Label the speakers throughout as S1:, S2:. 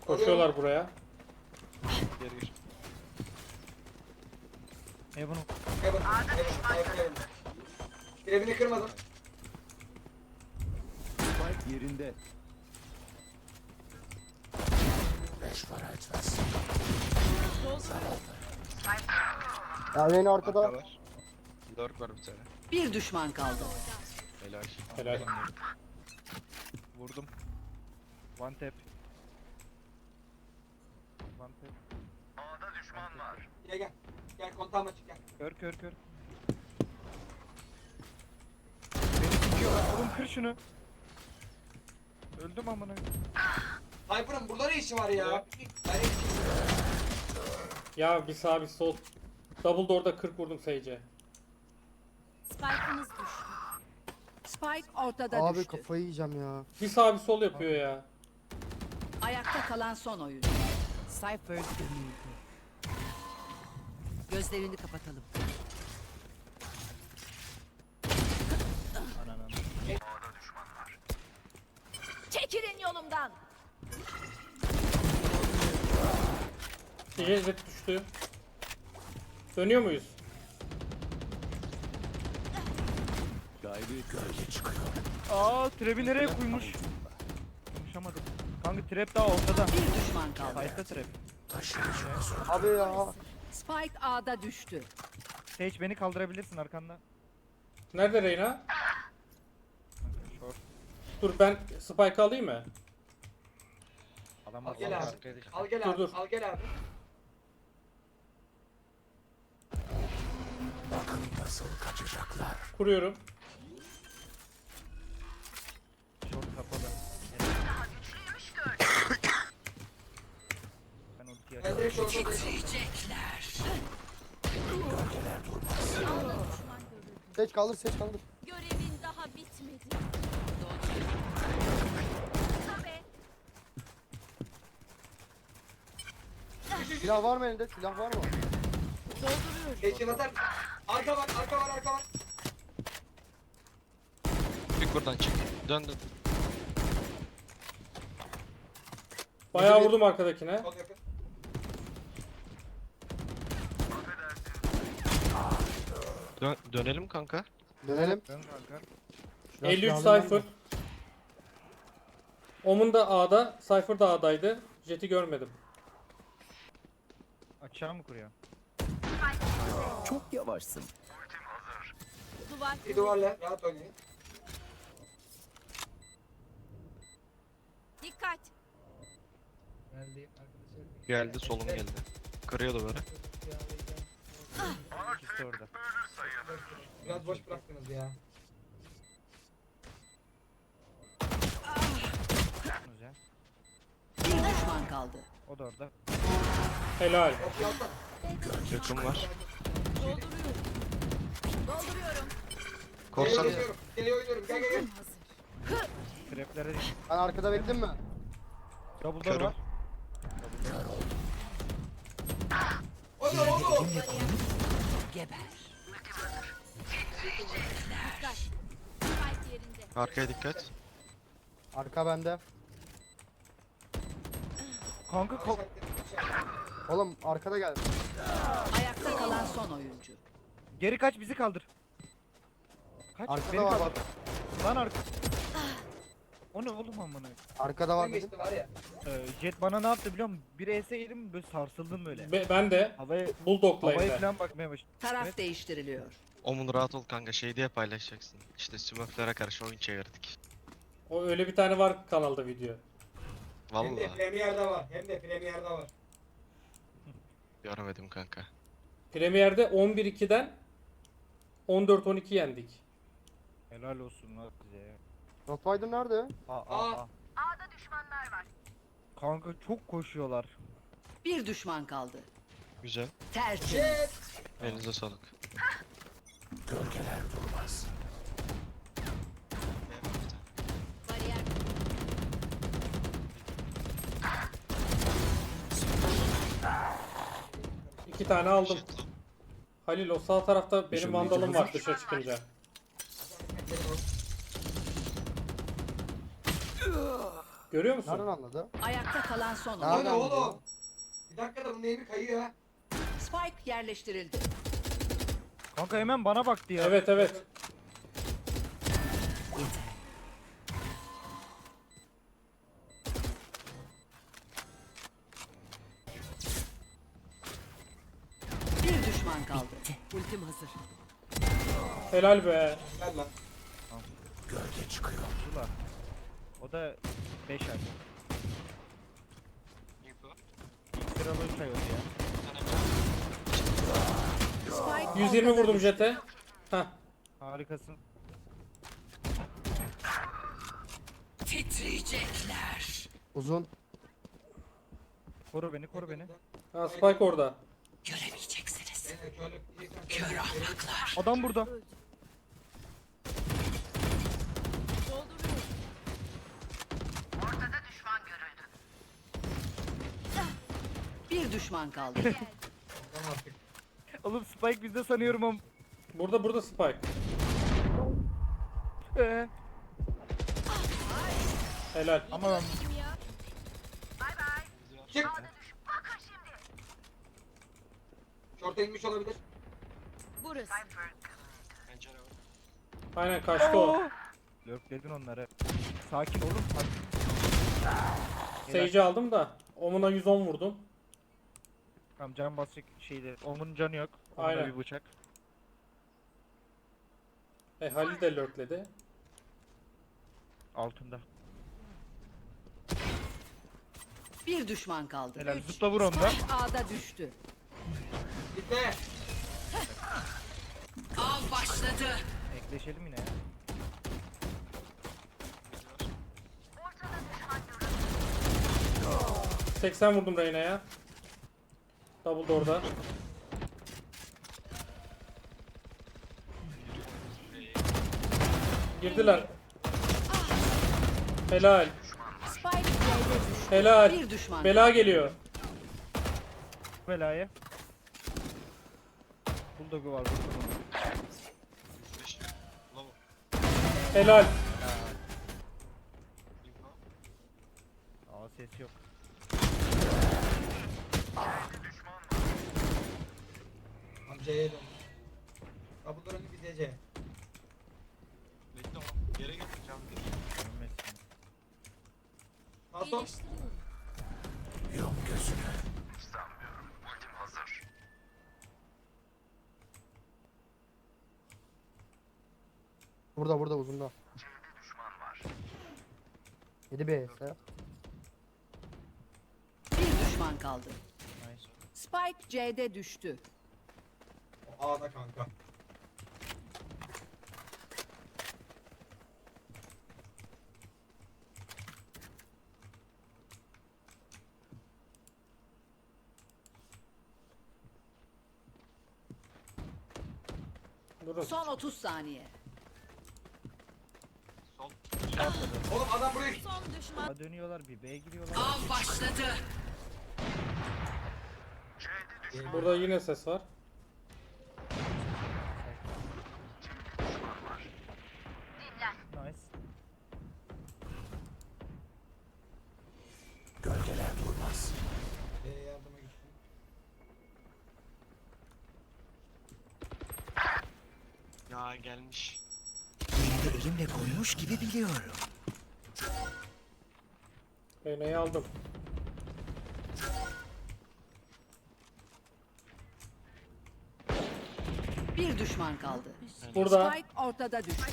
S1: Koşuyorlar buraya.
S2: Geri gir.
S3: Bunu
S4: Heaven. Birebini kırmadım.
S5: Spike yerinde.
S6: Ya beni arkada.
S2: Arka var. Lurk var bir tane.
S7: Bir düşman kaldı.
S2: Helal.
S1: Helal.
S3: vurdum. One tap. One tap.
S4: Gel. Gel kontağıma çık gel.
S3: Kör. Beni tutuyorlar. Oğlum kır şunu. Öldüm amına.
S4: Hyper'ın burada ne işi var ya? Ben
S1: Ya bir sağ bir sol. Double door'da 40 vurdum Sage'e.
S7: Spike'ınız düştü. Spike ortada
S6: Abi
S7: düştü.
S6: kafayı yiyeceğim ya.
S1: Bir sağ bir sol yapıyor ya.
S7: Ayakta kalan son oyuncu. Cypher gömüldü. Gözlerini kapatalım.
S3: Ananı.
S7: Çekilin yolumdan.
S1: Jet düştü. Dönüyor muyuz?
S5: Gayri gölge çıkıyor.
S3: Aa trap'i nereye koymuş? Konuşamadım. Kanka trap daha ortada.
S7: Bir düşman kaldı.
S3: Sayfa trap.
S6: Abi ya.
S7: Spike A'da düştü.
S3: Sage beni kaldırabilirsin arkanda.
S1: Nerede Reyna?
S3: Kanka short.
S1: Dur ben Spike alayım mı?
S3: Adam
S4: Al
S3: var.
S4: gel abi.
S3: arkaya dik.
S4: Al gel
S1: Dur,
S4: abi.
S1: dur.
S4: Al gel abi.
S5: Bakın nasıl kaçacaklar.
S1: Kuruyorum.
S3: Short kapalı. Ben ultiyi
S4: Ben
S3: açayım.
S4: direkt şorta
S6: Seç kaldır seç kaldır.
S8: Görevin daha bitmedi.
S6: Silah var mı elinde? Silah var mı?
S4: Geçin atar. Arka var.
S2: Çık buradan çık. Dön.
S1: Bayağı vurdum arkadakine.
S4: Çok yakın.
S2: Dönelim kanka.
S6: Dönelim.
S3: Dön kanka.
S1: 53
S6: silahını
S1: Cypher. Omun da A'da, Cypher da A'daydı. Jet'i görmedim.
S3: Açığa mı kuruyor?
S5: Çok yavaşsın.
S8: Duvar.
S4: Bir duvarla rahat oynayın.
S8: Dikkat.
S2: Geldi solum geldi. Kırıyordu böyle.
S3: İkisi de orada.
S4: Biraz boş bıraktınız ya.
S3: Güzel.
S7: Bir düşman kaldı.
S3: O da orada.
S1: Helal.
S4: Okey altta.
S2: Yakın var.
S8: Dolduruyorum.
S2: Korsan.
S4: Geliyor oynuyorum. Gel.
S3: Traplere dik.
S6: Ben arkada bekledim mi?
S3: Double door
S2: Körüm.
S3: var.
S4: O da.
S7: Geber.
S8: Spike yerinde.
S2: Arkaya dikkat.
S6: Arka bende.
S3: Kanka
S6: Oğlum arkada gel.
S7: Ayakta kalan son oyuncu.
S3: geri kaç bizi kaldır. Kaç
S6: Arkada
S3: beni
S6: var
S3: kaldır.
S6: bak.
S3: Lan arka. O ne oğlum amına?
S6: Arkada var
S4: Kim
S6: dedim.
S4: geçti var ya.
S3: Jet bana ne yaptı biliyor musun? Bir ES yedim böyle sarsıldım böyle.
S1: Ben de
S3: Havaya
S1: Bulldog'la
S3: havaya
S1: evde.
S3: falan bakmaya başladım.
S7: Taraf
S3: Evet.
S7: değiştiriliyor.
S2: Omun rahat ol kanka, şey diye paylaşacaksın. İşte Smurf'lere karşı oyun çevirdik.
S1: O öyle bir tane var kanalda video.
S4: Hem de
S2: Vallahi
S4: Premier'de var.
S2: görmedim kanka.
S1: Premier'de 11-2'den 14-12 yendik.
S3: Helal olsun lan bize ya.
S6: Rottweiler nerede?
S3: Aa. Kanka çok koşuyorlar.
S7: Bir düşman kaldı.
S2: Güzel.
S7: Tertemiz.
S2: Elinize sağlık.
S5: Gölgeler durmaz.
S8: Bariyer.
S1: İki tane aldım.
S2: Jet.
S1: Halil o sağ tarafta benim
S5: Işınlayıcı
S1: vandalım var
S5: hazır.
S1: dışarı çıkınca. Görüyor musun?
S6: Nereden anladı?
S7: Ayakta kalan son
S6: Nereden
S7: oyuncu.
S4: Lan
S6: anladı?
S4: oğlum. Bir dakika da bunun eğimi kayıyor ha.
S7: Spike yerleştirildi.
S3: Kanka hemen bana baktı ya.
S1: Evet evet.
S7: Bir düşman kaldı. Ultim hazır.
S1: Helal be.
S4: Gel lan.
S5: Gölge çıkıyor.
S3: Ulan. O da 5 ay. İlk sıralı 3 ay oldu ya.
S7: Spike
S1: 120
S7: ortada
S1: vurdum
S7: düştü.
S1: jete. Hah.
S3: Harikasın.
S7: Titriyecekler.
S6: Uzun.
S3: Koru beni, koru beni.
S1: Ha, Spike orada.
S7: Göremeyeceksiniz.
S4: Kör
S7: Kör ahmaklar.
S3: Adam burada.
S8: Dolduruyorum.
S7: Bir düşman kaldı.
S4: artık.
S3: Oğlum Spike bizde sanıyorum ama.
S1: Burada Spike. Helal.
S3: Ama ben
S8: Kim ya?
S4: Çık. Şorta inmiş olabilir.
S8: Burası.
S2: Pencere var.
S1: Aynen kaçtı o.
S3: Lökledin onları. Sakin olun. Sakin.
S1: Sage'i aldım da. Omuna 110 vurdum.
S3: Tamam can basacak şeyde. Onun canı yok. Onda
S1: Aynen.
S3: bir bıçak.
S1: Halil de lurkledi.
S3: Altında.
S7: Bir düşman kaldı.
S3: Helal,
S7: Üç.
S3: zıpla vur onu da.
S7: Spike A'da düştü.
S4: Gitme.
S7: Av başladı.
S3: Ekleşelim yine ya.
S1: 80 vurdum Reyna'ya. Double da orada. Girdiler. Helal.
S7: Spike C'de düştü.
S1: Helal.
S7: Bir düşman
S1: Bela geliyor.
S3: Belayı. Bulldog'u var. Bulldog'u.
S2: Beş. Lava.
S1: Helal.
S2: Info.
S3: Aa ses yok.
S4: Amcaya dön. Kapıların bir DC.
S2: Bekle oğlum. Yere getireceğim.
S3: Ölmezsin.
S4: Nasıl?
S8: İyileştiriyorum.
S5: Yum gözünü.
S6: Burada uzunda. 7 B ise.
S7: Bir düşman kaldı.
S3: Nice.
S7: Spike C'de düştü.
S4: O A'da kanka.
S1: Durun.
S7: Son 30 saniye.
S2: Sol.
S4: Oğlum adam buraya
S8: Son düşman.
S3: A dönüyorlar bir B'ye giriyorlar.
S7: Av başladı.
S1: Burada yine ses var.
S3: Nice.
S5: Gölgeler durmaz.
S4: yardıma gittim.
S2: Ya gelmiş.
S5: Elimle koymuş gibi biliyorum.
S1: Reyna'yı aldım.
S7: Bir düşman kaldı.
S1: Burada.
S7: Spike ortada düştü.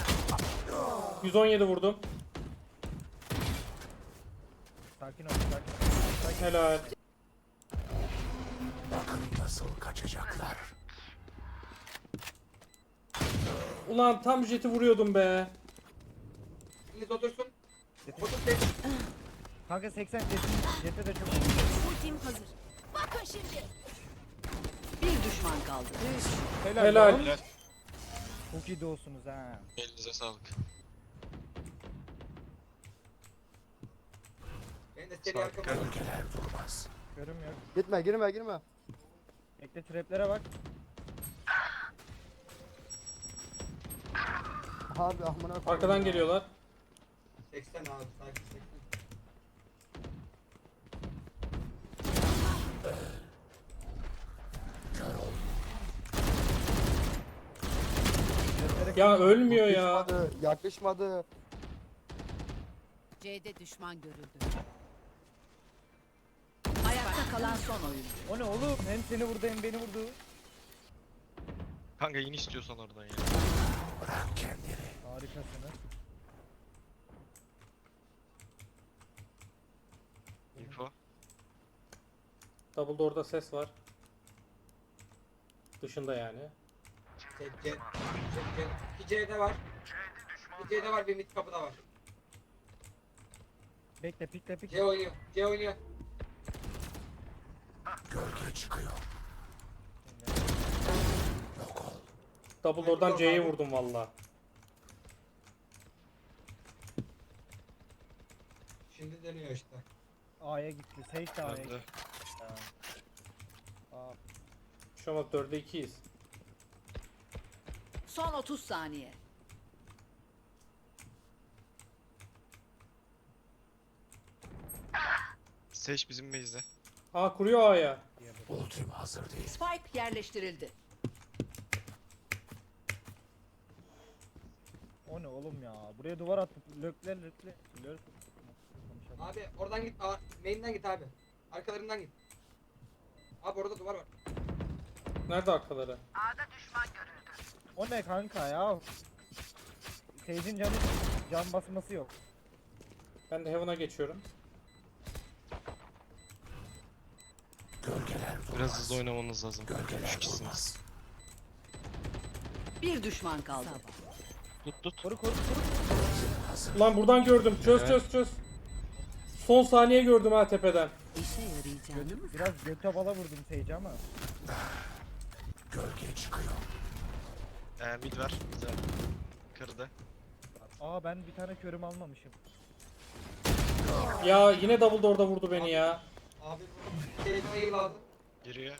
S1: 117 vurdum.
S3: Sakin ol. Sakin ol.
S1: Helal.
S5: Bakın nasıl kaçacaklar.
S1: Ulan tam jeti vuruyordum be.
S4: İngiliz otursun.
S3: Jete-
S4: Otur tek.
S3: Kanka 80 Jet'e de çok
S8: Ultim hazır. Bakın şimdi.
S7: Bir düşman kaldı.
S3: helal.
S1: Helal.
S3: lan.
S2: Helal.
S3: Çok iyi doğusunuz ha.
S2: Elinize sağlık.
S4: Ben de seri arkama.
S5: Gölgeler durmaz.
S3: Görüm yok.
S6: Gitme girme.
S3: Bekle traplere bak.
S6: Abi amına koyayım
S1: Arkadan
S6: ya.
S1: geliyorlar.
S4: 80 abi sakin 80.
S1: Ya ölmüyor ya.
S6: Yakışmadı. Yakışmadı.
S7: C'de düşman görüldü. Ayakta kalan son oyuncu.
S3: O ne oğlum? Hem seni vurdu hem beni vurdu.
S2: Kanka in istiyorsan oradan ya.
S5: Bırak kendini.
S3: Harikasınız.
S2: Info.
S1: Double door'da ses var. Dışında yani.
S4: Bir C'de var. Bir C'de var, bir mid kapıda var.
S3: Bekle pikle pikle.
S4: C oynuyor. C oynuyor.
S5: Gölge çıkıyor. Yok ol.
S1: Double door'dan C'ye vurdum valla.
S4: Şimdi dönüyor işte.
S3: A'ya gitti. Sage de A'ya
S2: Öldü.
S3: gitti. Aa,
S1: Şu an 4'e 2'yiz.
S7: Son 30 saniye.
S2: Sage bizim base'de.
S1: Aa kuruyor A'ya.
S5: Ultim hazır değil.
S7: Spike yerleştirildi.
S3: o ne oğlum ya? Buraya duvar attık. Lökler. Konuşalım.
S4: Abi oradan git. Main'den git abi. Arkalarından git. Abi orada duvar var.
S1: Nerede arkaları?
S3: O ne kanka ya? Sage'in can basması yok.
S1: Ben de Heaven'a geçiyorum.
S5: Gölgeler durmaz.
S2: Biraz hızlı oynamanız lazım.
S5: Gölgeler
S2: 3 kişisiniz.
S5: durmaz.
S7: Bir düşman kaldı.
S2: Tut.
S3: Koru.
S5: Hazır.
S1: Ulan buradan gördüm. Çöz
S2: Evet.
S1: çöz çöz. Son saniye gördüm ha tepeden.
S7: İşe yarayacağını
S3: Biraz göte bala vurdum Sage'e ama.
S5: Gölge çıkıyor.
S2: Mid var. Güzel. Kırdı.
S3: Aa ben bir tane körüm almamışım.
S1: Ya yine double door'da vurdu beni ya.
S4: Abi bu kelimeyi lazım.
S2: Giriyor.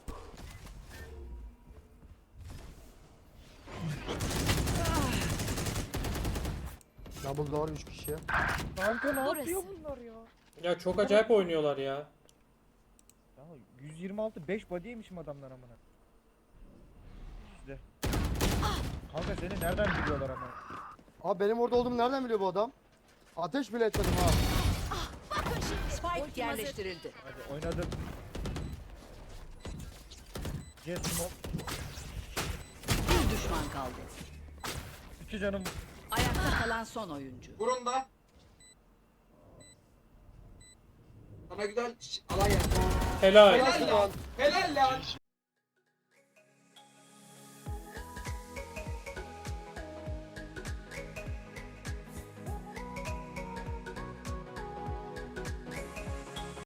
S6: Double door 3 kişi.
S3: Kanka ne
S8: Burası.
S3: yapıyor bunlar ya?
S1: Ya çok acayip oynuyorlar ya.
S3: Ya 126 5 body'ymişim adamlar amına. İşte. Kanka seni nereden biliyorlar ama?
S6: Abi benim orada olduğumu nereden biliyor bu adam? Ateş bile etmedim ha.
S8: Bakın şimdi.
S7: Spike
S8: Ultim hazır.
S7: yerleştirildi.
S3: Hadi oynadım. Jet smoke.
S7: Bir düşman kaldı.
S3: 2 canım.
S7: Ayakta kalan son oyuncu.
S4: Vurun da. Sana güzel alan yaptı.
S1: Helal.
S4: Helal lan. Helal lan.